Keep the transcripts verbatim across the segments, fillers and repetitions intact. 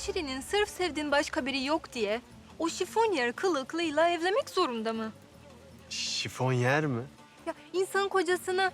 Şirin'in sırf sevdiğin başka biri yok diye o şifonyer kılıklıyla evlenmek zorunda mı? Şifonyer mi? Ya insan kocasına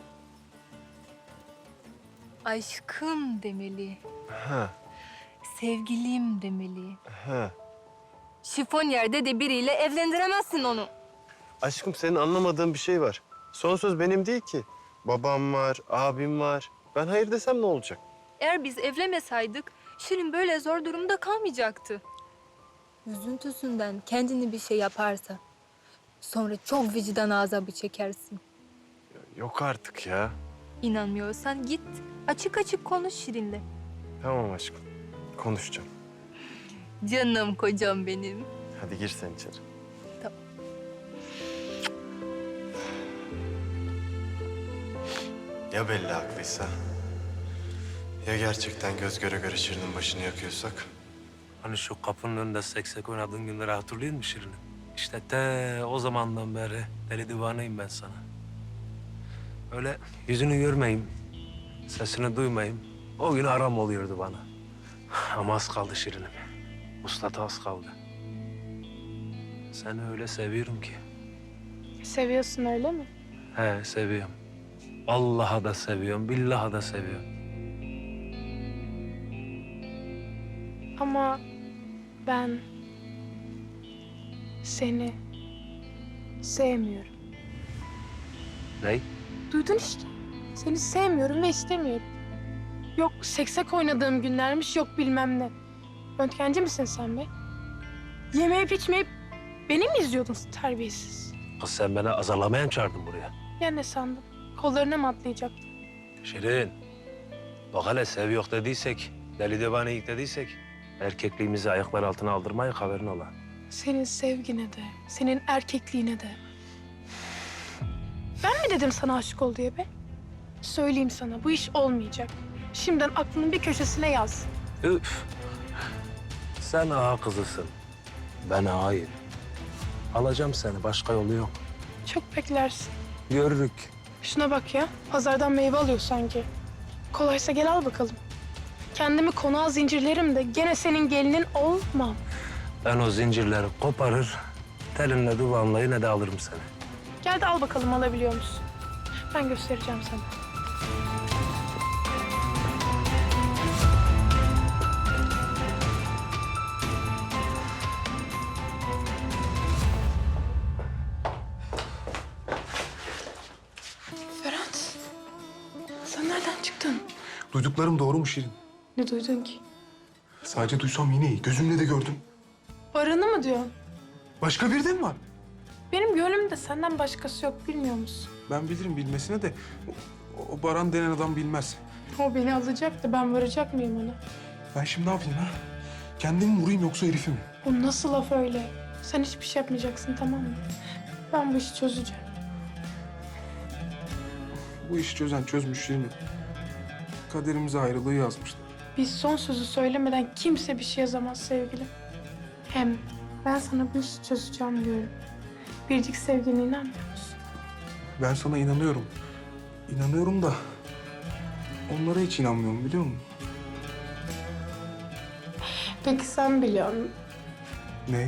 aşkım demeli, Ha, sevgilim demeli. ha. Şifonyerde de biriyle evlendiremezsin onu. Aşkım senin anlamadığın bir şey var. Son söz benim değil ki. Babam var, abim var. Ben hayır desem ne olacak? Eğer biz evlenmesaydık Şirin böyle zor durumda kalmayacaktı. Üzüntüsünden kendini bir şey yaparsa sonra çok vicdan azabı çekersin. Yok artık ya. İnanmıyorsan git açık açık konuş Şirin'le. Tamam aşkım. Konuşacağım. Canım kocam benim. Hadi gir sen içeri. Tamam. Ya belli haklıysa? Ya gerçekten göz göre göre Şirin'in başını yakıyorsak? Hani şu kapının önünde seksek oynadığın günleri hatırlıyor musun Şirin'im? İşte te o zamandan beri deli divaneyim ben sana. Öyle yüzünü görmeyeyim, sesini duymayayım. O gün aram oluyordu bana. Ama az kaldı Şirin'im. Uslata az kaldı. Seni öyle seviyorum ki. Seviyorsun öyle mi? He seviyorum. Allah'a da seviyorum, billaha da seviyorum. Ama ben seni sevmiyorum. Ney? Duydun işte. Seni sevmiyorum ve istemiyorum. Yok seksek oynadığım günlermiş, yok bilmem ne. Röntgenci misin sen be? Yemeyip içmeyip beni mi izliyordun terbiyesiz? Kız sen beni azarlamaya mı çağırdın buraya? Ya ne sandın? Kollarına mı atlayacaktın? Şirin, bak hele sev yok dediysek, deli divaneyik dediysek... erkekliğimizi ayaklar altına aldırmayın, haberin ola. Senin sevgine de, senin erkekliğine de. Ben mi dedim sana aşık ol diye be? Söyleyeyim sana, bu iş olmayacak. Şimdiden aklının bir köşesine yaz. Üf! Sen ağa kızısın, ben ağayım. Alacağım seni, başka yolu yok. Çok beklersin. Görürük. Şuna bak ya, pazardan meyve alıyor sanki. Kolaysa gel al bakalım. Kendimi konağa zincirlerim de gene senin gelinin olmam. Ben o zincirleri koparır, telinle duvağımla yine de alırım seni. Gel de al bakalım alabiliyor musun? Ben göstereceğim sana. Ferhat, sen nereden çıktın? Duyduklarım doğru mu Şirin? Ne duydun ki? Sadece duysam yine iyi. Gözümle de gördüm. Baran'ı mı diyorsun? Başka biri de mi var? Benim gönlümde senden başkası yok, bilmiyor musun? Ben bilirim bilmesine de o, o Baran denen adam bilmez. O beni alacak da ben varacak mıyım ona? Ben şimdi ne yapayım ha? Kendimi vurayım yoksa herifi mi? Bu nasıl laf öyle? Sen hiçbir şey yapmayacaksın, tamam mı? Ben bu işi çözeceğim. Bu işi çözen çözmüş Şirin. Kaderimize ayrılığı yazmışlar. Biz son sözü söylemeden kimse bir şey yazamaz sevgilim. Hem ben sana bu işi çözeceğim diyorum. Biricik sevgine inanmıyor musun? Ben sana inanıyorum. İnanıyorum da onlara hiç inanmıyorum biliyor musun? Peki sen biliyor musun? Ne?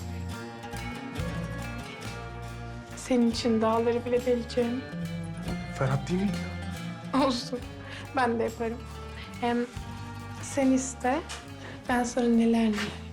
Senin için dağları bile deleceğim. Ferhat değil mi? Olsun. Ben de yaparım. Hem sen iste, ben sana neler neler.